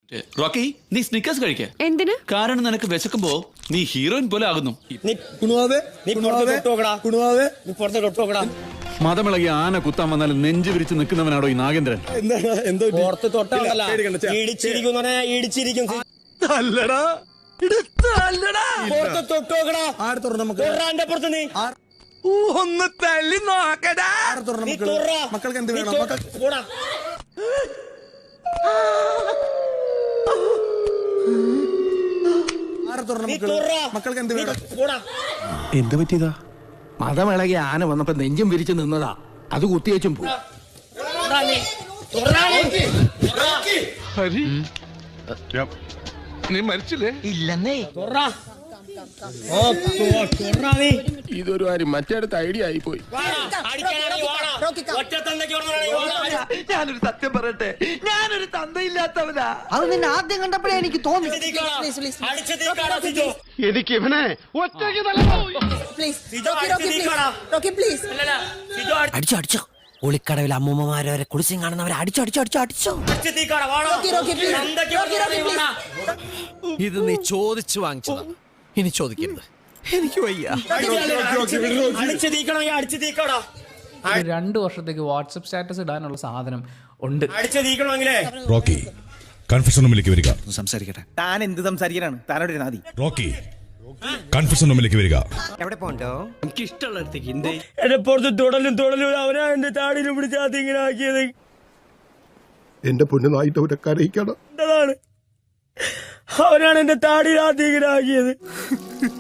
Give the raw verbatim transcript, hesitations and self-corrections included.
Rocky, നീ Snickers കഴിക്ക. എന്തിന്? കാരണം നിനക്ക് വിശക്കുമ്പോ നീ ഹീറോയിൻ പോലെ ആകുന്നു. മതമിളകി ആന കുത്താൻ വന്നാൽ നെഞ്ചു വിരിച്ച് നിൽക്കുന്നവനാണോ ഈ നാഗേന്ദ്രൻ? ഒന്ന് തല്ലി നോക്കടാ. മക്കൾക്ക് എന്ത് വേണം? മക്കൾക്ക് എന്ത് വേണം? എന്ത് പറ്റിയതാ? മതമിളകി ആന വന്നപ്പോ നെഞ്ചും വിരിച്ചു നിന്നതാ, അത് കുത്തിയേച്ചും പോയി. നീ മരിച്ചില്ലേ? ഇല്ലെന്നേ. ഇതൊരു കാര്യം മറ്റേടത്ത് ഐഡിയ ആയി പോയി. ഞാനൊരു സത്യം പറയട്ടെ, ഞാനൊരു തന്തയില്ലാത്തവനാ. അത് നിന്നെ ആദ്യം കണ്ടപ്പോഴേ എനിക്ക് തോന്നി. എനിക്ക് ഇവനെ ഒറ്റയ്ക്ക് അടിച്ചോ അടിച്ചോ. ഒളിക്കടവിൽ അമ്മൂമ്മമാരെ വരെ കുളിച്ചും കാണുന്നവരെ അടിച്ചോ അടിച്ചോ അടിച്ചോ അടിച്ചോ. ഇത് നീ ചോദിച്ചു വാങ്ങിച്ചതാ, ഇനി ചോദിക്കരുത്. എനിക്ക് വയ്യ. രണ്ടു വർഷത്തേക്ക് വാട്സപ്പ് സ്റ്റാറ്റസ് ഇടാനുള്ള സാധനം ഉണ്ട്. റോക്കി, കൺഫെഷൻ റൂമിലേക്ക് വരിക. സംസാരിക്കട്ടെ. താൻ എന്ത് സംസാരിക്കാനാണ്? താനോട് നാദി. റോക്കി, കൺഫെഷൻ റൂമിലേക്ക് വരിക. എവിടെ പോണ്ടോ? എനിക്ക് ഇഷ്ടമുള്ളടത്തേക്ക്. എന്തേ എന്നെ പുറത്ത് തുടലും തുടലും അവനാ എന്റെ താടിയിലും പിടിച്ചാത്തി ഇങ്ങനെ ആക്കിയത്. എന്റെ പൊന്നു നായിട്ട് അവരെ കരയിക്കണം. അവനാണ് എന്റെ താടിയിലാത്തി ഇങ്ങനെ ആക്കിയത്.